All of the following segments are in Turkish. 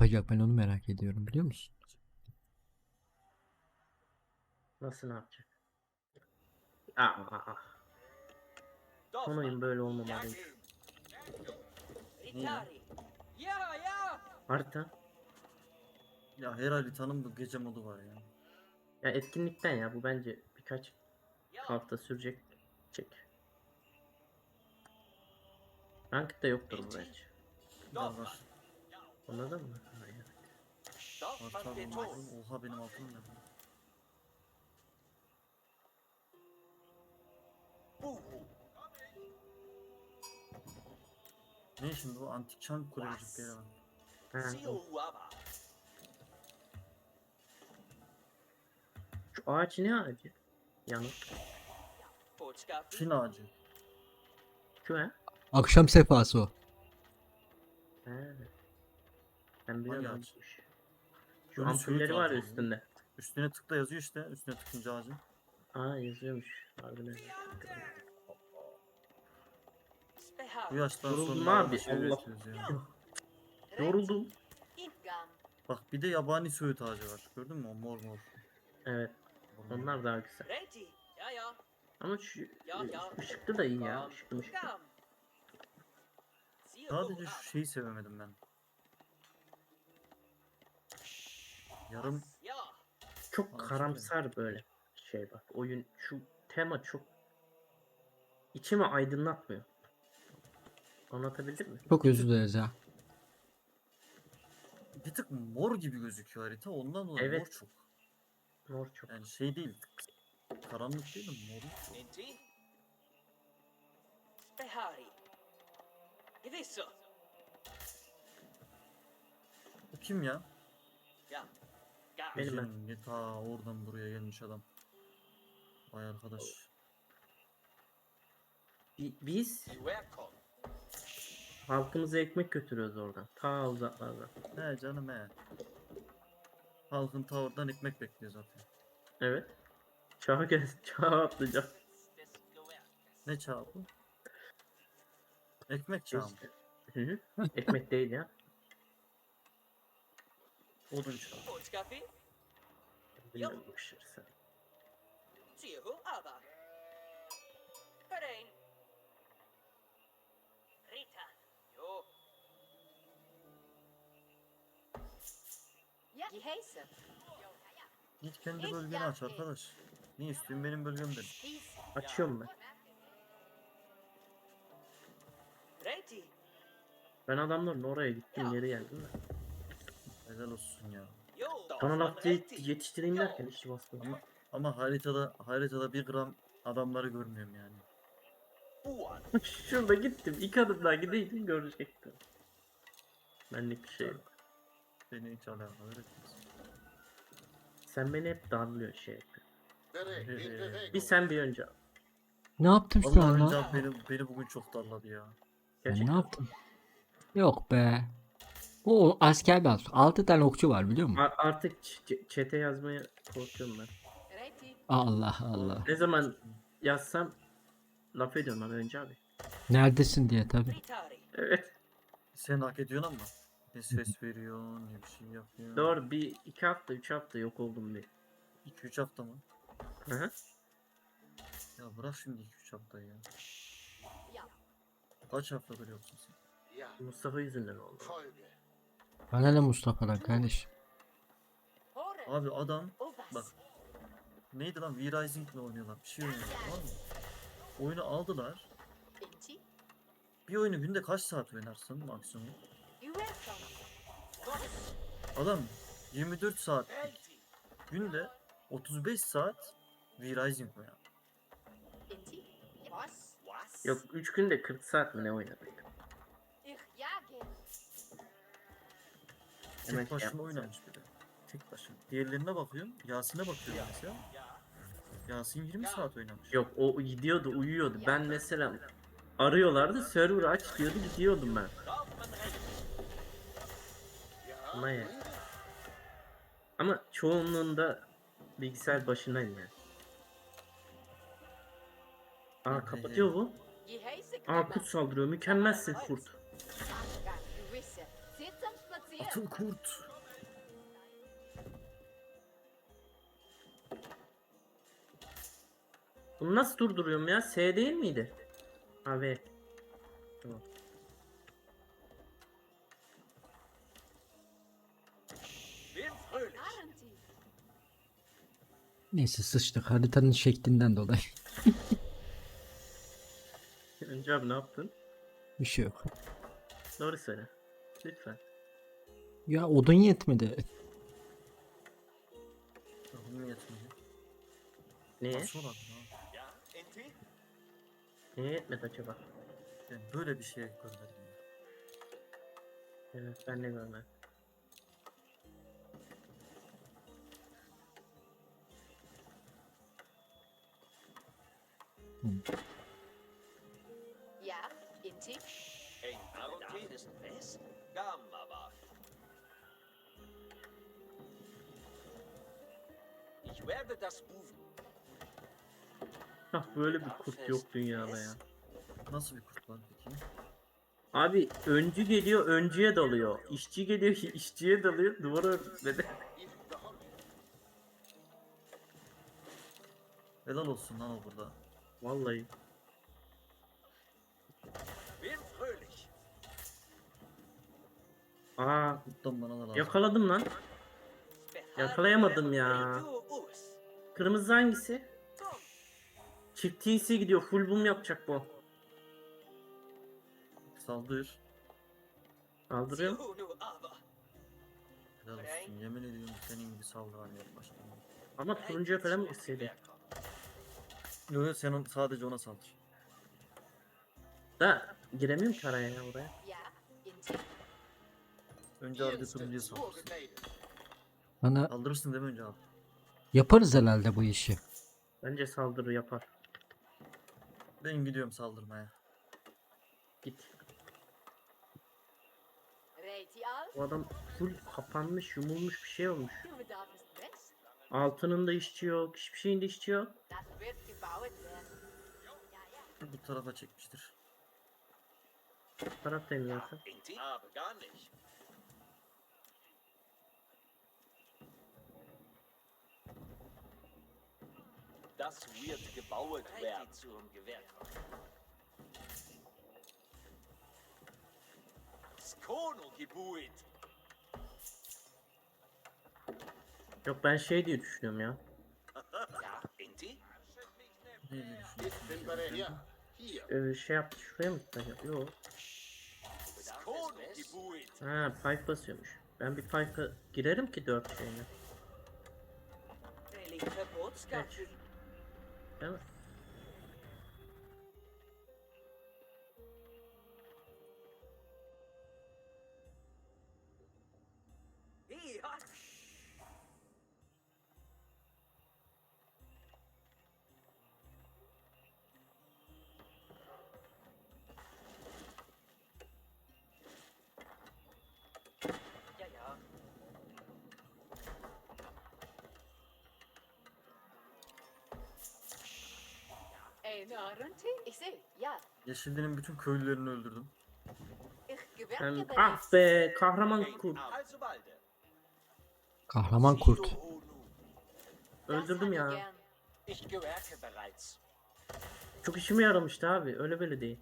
yapacak, ben onu merak ediyorum, biliyor musun? Nasıl ne yapacak? Aa. Son oyun böyle olmamalıydı. Niye? Harita. Ya her haritanın bu gece modu var ya. Ya etkinlikten ya bu bence birkaç hafta sürecek. Çek. Ranked'da yoktur bu bence. Var. Anladın mı? Aynen. Harita bulamadım. Oha benim altım ne? Ne şimdi bu antik çan kulecikleri var. Ha, o. Şu ağaç ne ağacı? Yanık. Çin ağacı. Şu ha? Akşam sefası o. He. Ben biliyorum Hangi ağaç? hangiymiş. Şu Ölü söğüt ampulleri var ya ağacı. üstünde. Üstüne tıkla yazıyor işte. Üstüne tıkınca ağacın. Aa yazıyormuş. Harbiden. Bu yaştan Yoruldum sonra abi, abi, şey Allah. üretiyoruz ya. Yoruldum. Bak bir de yabani söğüt ağacı var. Gördün mü o mor mor. Evet. Onlar daha güzel. Ama şu ışıklı da iyi ya. Işıklı ışıklı. Sadece şu şeyi sevemedim ben. Yarım Çok Ağaç karamsar böyle şey bak. Oyun şu tema çok içimi aydınlatmıyor. Anlatabildim mi? Çok özür dileriz ya. bir tık mor gibi gözüküyor harita. Ondan dolayı mor Evet. çok. Mor çok. Yani şey değil. Karanlık değil de mor. Bu kim ya? Benim ben. Gecenin ta oradan buraya gelmiş adam. Vay arkadaş. Biz halkımıza ekmek götürüyoruz oradan. Ta uzaklardan. He canım he. Halkın ta oradan ekmek bekliyor zaten. Evet. Çağa gel. Çağa atlayacağım. Ne çağı bu? Ekmek çağı mı? Hı hı. Ekmek değil ya. Odun çağı. Bilmiyorum bu işleri sen. Git kendi bölgeni aç arkadaş. Ne istiyorsun benim bölgemdir. Açıyorum ben. Ben adamların oraya gittim geri geldim de. Helal olsun ya. Sana laf yetiştireyim derken işi basmadım. Ama haritada bir gram adamları görmüyorum yani. Şurada gittim. 2 adım daha gideydim görecektim. Benlik bir şey yok. Beni hiç alakadar etmez. Sen beni hep darlıyorsun şey yapıyorsun. Bir sen bir önce al. Ne yaptım şu Vallahi an önce lan? beni bugün çok darladı ya. Ben ne Gerçekten. yaptım? Yok be. O asker dans. 6 tane okçu var, biliyor musun? Artık çete yazmaya korkuyorum ben. Allah Allah. Ne zaman yazsam laf ediyorum lan önce abi. Neredesin diye tabi. Evet. Sen hak ediyorsun ama. Ne ses veriyorsun, ne bir şey yapıyorsun. Doğru, bir 2 hafta 3 hafta yok oldum bir. 2-3 hafta mı? Hı hı. Ya bırak şimdi 2-3 haftayı ya. Kaç haftadır yoksun sen? Mustafa yüzünden oldu. Bana ne Mustafa'dan kardeş? Abi adam bak neydi lan V-Rising'le oynuyorlar. Bir şey oynuyorlar tamam mı? Oyunu aldılar. Bir oyunu günde kaç saat oynarsın maksimum? Adam 24 saat günde 35 saat V-Rising oynar. Yok 3 günde 40 saat mi ne oynadık? Hemen Tek şey başına yapma sen. oynamış bir de. Tek başına. Diğerlerine bakıyorum. Yasin'e bakıyorum mesela. Yasin 20 saat oynamış. Yok o gidiyordu uyuyordu. Ben mesela arıyorlardı server aç diyordu gidiyordum ben. Ama ya. Ama çoğunluğunda bilgisayar başındayım yani. Aa kapatıyor bu. Aa kurt saldırıyor. Mükemmelsin kurt. Atıl kurt. Bunu nasıl durduruyorum ya? S değil miydi? Ha V. Tamam. Neyse sıçtık haritanın şeklinden dolayı. Önce abi ne yaptın? Bir şey yok. Doğru söyle. Lütfen. Ya odun yetmedi. Tahmin yetmedi. Neye? Nasıl olabilir abi? Neye yetmedi acaba? Ben böyle bir şey görmedim ya. Evet ben de görmedim. Ja, Inti. Ein Arunti ist was? Gamma war. Ich werde das Buven. Hah böyle bir kurt yok dünyada ya. Nasıl bir kurt var peki? Abi öncü geliyor öncüye dalıyor. İşçi geliyor işçiye dalıyor. Duvara örtmedi. Helal olsun lan o burada. Vallahi. Bin fröhlich. Aa Kurttan bana da lazım. yakaladım lan. Yakalayamadım ya. Kırmızı hangisi? Çift TC gidiyor. Full boom yapacak bu. Saldır. Kaldırıyorum. Helal olsun. Yemin ediyorum senin gibi saldıran yok başka. Ama turuncuya falan mı gitseydi? Yok yok sen sadece ona saldır. Da giremiyorum ki araya ya oraya. Ja, Inti. Önce abi turuncuya saldır. Bana Saldırırsın değil mi önce abi? yaparız herhalde bu işi. Bence saldırı yapar. Ben gidiyorum saldırmaya. Git. Retial. O adam full kapanmış, yumulmuş bir şey olmuş. Du bedarfst was? Altının da işçi yok, hiçbir şeyin de işçi yok. Das wird gebaut werden. Ja, ja. Bu tarafa çekmiştir. Taraftayım zaten. Inti? Aber gar nicht. Das wird gebaut werden. Zum Gewehr. Skono gebuit. Yok ben şey diye düşünüyorum ya. Ja, Inti? Ne diye düşünüyorsun? Şey yaptı şuraya mı gitmedi? Yok. Skono gebuit. Ha pipe basıyormuş. Ben bir pipe'a girerim ki 4 şeyine. Verbotsgefühl. Değil mi? Ja, ja. Ein Arunti? Ich sehe. Ja, Yeşilli'nin bütün köylülerini öldürdüm. ich Ben, gewerke ah be kahraman kurt. Also balde. Kahraman kurt. Öldürdüm ya. Ich gewerke bereits. Çok işime yaramıştı abi. Öyle böyle değil.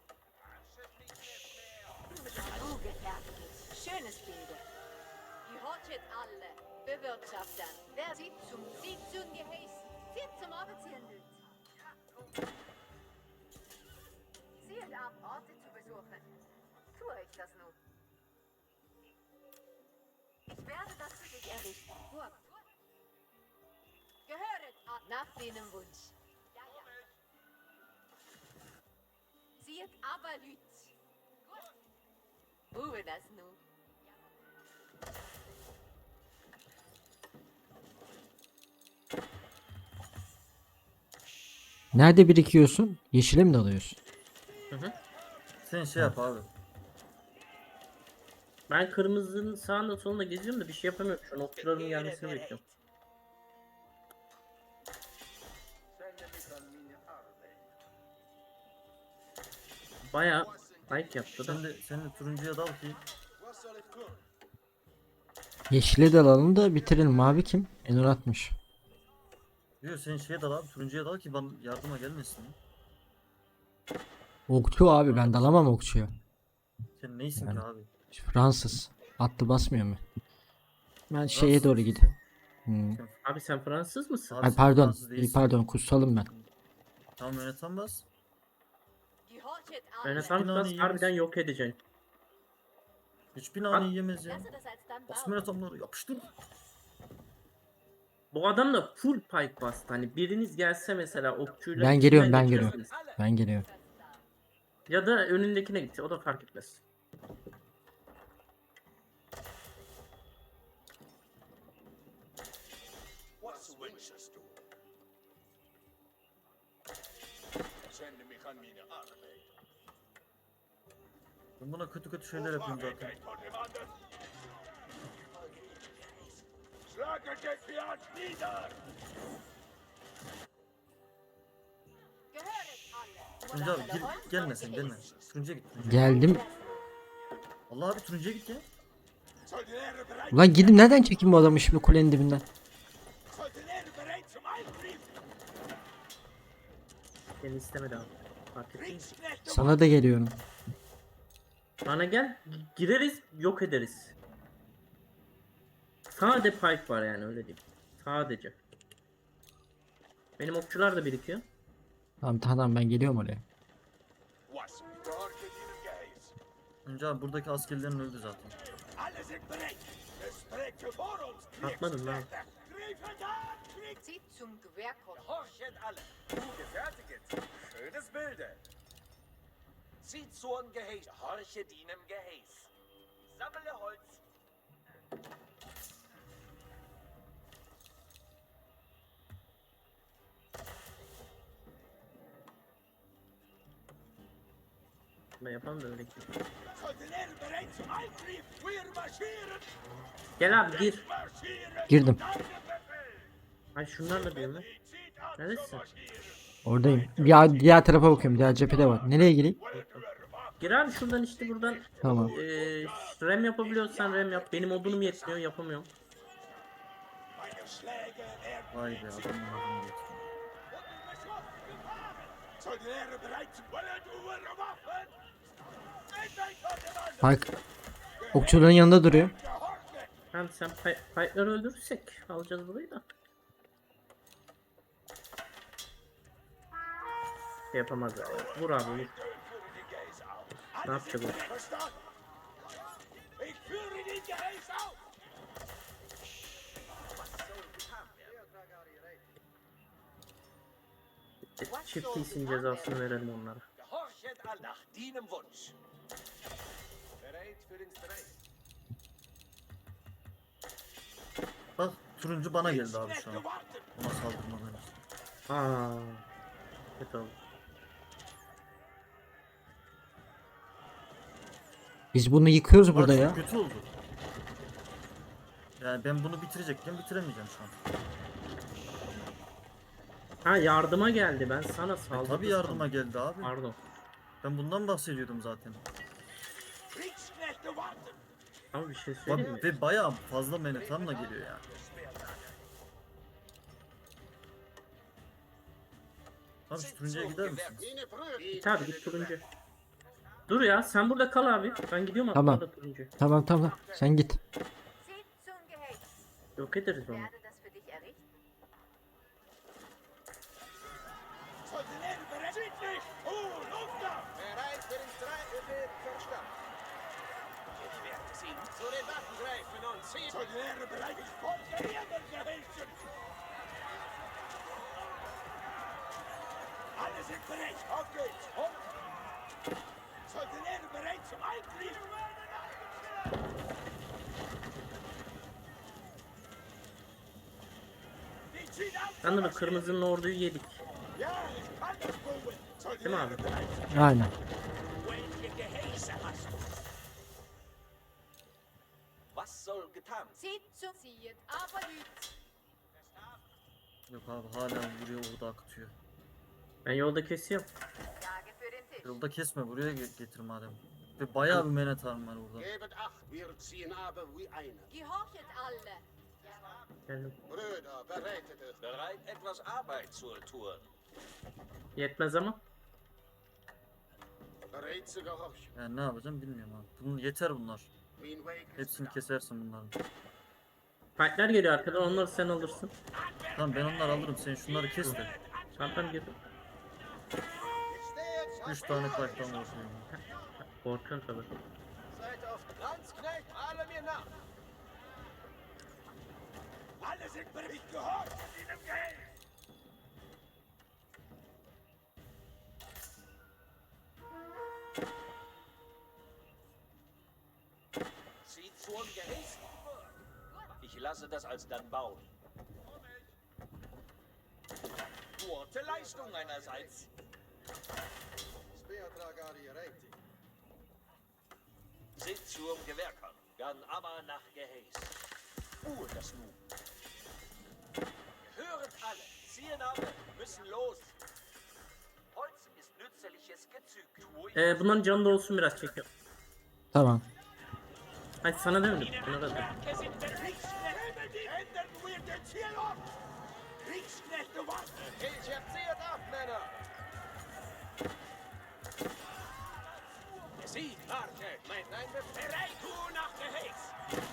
Schönes Bilde. Gehorchet alle. Bewirtschaftern. Wer sieht zum Sieg zum Geheißen. Zieht zum Arbeitshandel. Zieht ab, Orte zu besuchen. Tue ich das nun? Ich werde das für dich errichten. Burg. Gehöret ab. Nach deinem Wunsch. Ja, ja. Zieht aber Lüt. Ruhe das nun. Nerede birikiyorsun? Yeşile mi dalıyorsun? Hı hı. Sen şey yap abi. Ben kırmızının sağında solunda geziyorum da bir şey yapamıyorum. Şu an okçuların gelmesini bekliyorum. Baya like yaptı da. Sen de turuncuya dal ki Yeşile dalalım da bitirelim. Mavi kim? Enur atmış. Diyor sen şeye dal abi, turuncuya dal ki bana yardıma gelmesin. Okçu abi, ben dalamam okçuya. Sen neysin Yani. ki abi? Fransız. Atlı basmıyor mu? Ben şeye Fransız doğru mısın gideyim. sen? Hmm. Abi sen Fransız mısın? Abi Ay sen pardon. Fransız değilsin. Pardon, kutsalım ben. Tamam yöneten bas. Gehorchet alle. Rönesans Binanı bas yiyemez. harbiden yok edeceksin. Hiçbir nane Bak. yiyemez ya. Lasse das alsdan Bas bauen. yönetenleri yapıştır. Bu adam da full pike bastı. Hani biriniz gelse mesela okçuyla Ben geliyorum, içinden ben geliyorum. geçersiniz. Ben geliyorum. Ya da önündekine git. O da fark etmez. Was wünschest du? Sende mich an meine Arbeit. Ben buna kötü kötü şeyler yapıyorum zaten. Von dem anderen. Schlage den Fiat nieder! Gehöret alle. Turuncu abi gir, gelme sen gelme. Turuncuya git. Turuncuya. Geldim. Allah abi turuncuya git ya. Soldatäre bereit! Ulan gidin, nereden çekeyim bu adamı şimdi kulenin dibinden? Soldatäre bereit zum Angriff! Seni istemedi abi. Fark ettin mi? Kriegsknechte Sana da geliyorum. Bana gel. Gireriz, yok ederiz. Sade pike var yani, öyle diyeyim. Sadece. Benim okçular da birikiyor. Tamam ben geliyorum oraya. Was? Gehorche ihnen Geheiß! Önce abi buradaki askerlerin öldü zaten. Alle sind bereit! Es trägt vor uns! Atmadın lan. Griffet an! Krieg! Zieht zum Gewehrkopf. Horchet alle! Gefertiget! Schönes Bilde! Zieht zum Geheiß! Horchet ihnen Geheiß! Sammle Holz! Ben yapamam da öyle. Soldatäre bereit zum Angriff! Wir marschieren! Gel abi gir. Marschieren! Girdim. Deine Befehl! Ay şunlarla diyorum ben. Zieht an Neredesin? zum Marschieren! Oradayım. Diğer tarafa bakıyorum. Diğer cephede var. Nereye gireyim? Gir abi şuradan, işte buradan. Tamam. Rem yapabiliyorsan rem yap. Benim odunum yetmiyor, yapamıyorum. Meine Schläge werden Vay be adamın adını geçti. Soldatäre bereit zum Wollen eure Waffen! Seid euch von dem anderen! Bak. Okçuların yanında duruyor. Gehorche! Hem sen pike'ları öldürürsek alacağız burayı da. Şey yapamazlar ya. Vur abi vur. Ich führe die Geheiß auf! Ne yapacak o? Verstanden? Ich führe die Geheiß auf! Çift iyisin cezasını verelim onlara. Gehorchet alle nach deinem Wunsch! Bereit für den Streik! Bak turuncu bana geldi abi şu an. Gewartet! Ona saldırmadan. Aa, kötü oldu. Biz bunu yıkıyoruz Bak, burada çok ya. kötü oldu. Yani ben bunu bitirecekken bitiremeyeceğim şu an. Ha, yardıma geldi, ben sana saldırdım. Tabii yardıma geldi abi. Pardon. Ben bundan bahsediyordum zaten. Kriegsknechte warten! Ama bir şey söyleyeyim mi? Bak, ve bayağı fazla menetanla geliyor yani. Abi şu turuncuya gider misiniz? Git abi git turuncu. Dur ya, sen burada kal abi. Ben gidiyorum Tamam. atlarla turuncu. Tamam. Sen git. Zieht zum Geheiß. Yok ederiz onu. Werde das für dich errichten. Soldatäre bereit! Südlich! Luft ab! Bereit für den Streik, Befehl verstanden. Ich werde sie Zu den Waffen greifen und ziehen. Soldatäre bereit! Ich folge ihren Gehilfen! Alle sind bereit! Auf geht's! Hoch! Soldatäre bereit zum Angriff! Die ziehen ab! Sanırım kırmızının orduyu yedik. Ja, ich kann das Bogen! Değil mi abi? Soldatäre bereit! Aynen. Welche Geheiße hast du? Was soll getan? Zieht zum Zieht, aber lügt. Yok abi hala buraya orada akıtıyor. Ben yolda kesiyorum. Lage für den Tisch. Yolda kesme buraya getir madem. Ve bayağı bir menetan var orada. Gebet acht, wir ziehen aber wie einer. Gehorchet alle. Geldim. Brüder, bereitet es. Bereit, etwas Arbeit zu tun. Yetmez ama. Bereit zu gehorchen. Yani ne yapacağım bilmiyorum abi. Bunun yeter bunlar. Mein Weg ist Hepsini klar. kesersin bunların. Fightler geliyor arkadan, onları sen alırsın. Tamam ben onları alırım. Sen şunları kes de. Tamam girdim. Ich stehe jetzt 3 tane fight'tan vurayım. Korkuyorum tabii. Seid auf Landsknecht, alle mir nach. Alle sind bereit, gehorcht diesem Geld! Zieht zum Gehäß. Ich lasse das alsdann bauen. Gute Leistung einerseits. Seht zum Gewerkern. Dann aber nach Gehäß. Das nun. Höret alle. Ziehen ab. Müssen los. Holz ist nützliches Gezüg. Bunların canı da olsun, biraz çekiyor. Tamam. Ay sana demedim. Buna da dedim. Kriegssknechte, ändern wir den Ziel ab! Kriegsknechte warten! Ich erzieht ab, Männer. Sie, warte. Nein, bereit. Du nach Gehäß.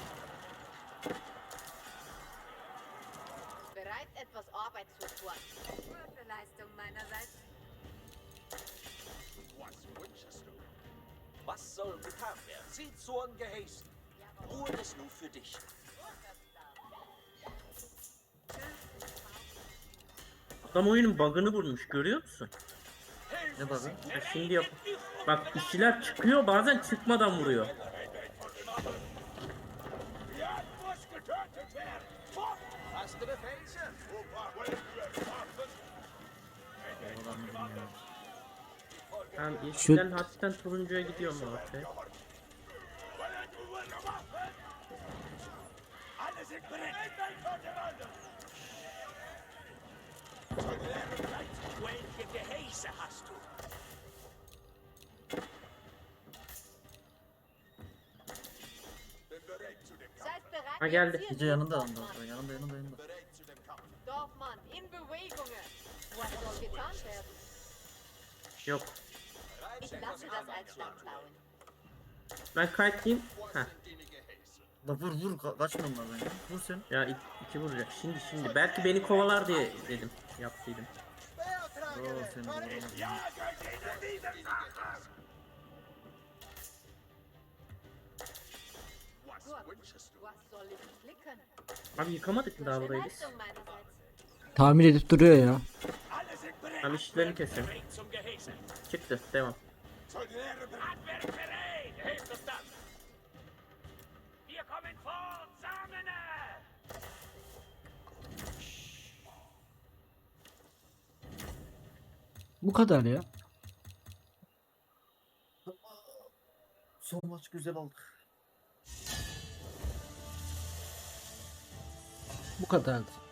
Bereit, etwas Arbeit zu tun. Gute Leistung meinerseits. Was wünschest du? Was soll getan werden? Sieh zum Gehäß. Ruhe ist nur für dich. Adam oyunun bug'ını bulmuş, görüyor musun? Ne bug'ı? Ya şimdi yap. Bak işçiler çıkıyor, bazen çıkmadan vuruyor. Ja, muss getötet werden! Fort! Hast du Befehle? Opa, wollen wir warten? Oradan bilmiyorum. Ben yeşilden hafiften turuncuya gidiyorum ortaya. Wollen wir Waffen? Alle sind bereit! Ein vor dem anderen! Welche Gehäuse hast du? Bin bereit zu dem Kampf. Seid bereit. Ha, geldi. wir ziehen Gece yanında los, yanında. Dorfmann. Yanında. Bereit zu dem Kampf. Dorfmann, in Bewegungen. Was soll getan werden? Yok. Bereit Ich zu lasse etwas das Arbeit als zu Land tun. bauen. Ben kayıtlayayım. Wo Heh. sind die Gehäuse? La vur kaçma onlardan ya. Vur sen. Ya iki vuracak. Şimdi. Belki beni kovalar diye dedim. Yaptıydım. Oo seni vuramadım. Jagen ihnen diese Sache! Was Gut. wünschest du? Was soll ich klicken? Abi yıkamadık mı daha Gute burayı biz? Leistung meinerseits. Tamir edip duruyor ya. Alle sind bereit! Abi işçilerini kesin. Bereit zum Gehäuse! Çıktı. Devam. Soldaten bereit! Handwerk bereit! Hilft uns das! Wir kommen fort, Samene! Bu kadar ya. Son maç güzel aldık. Bu kadardı.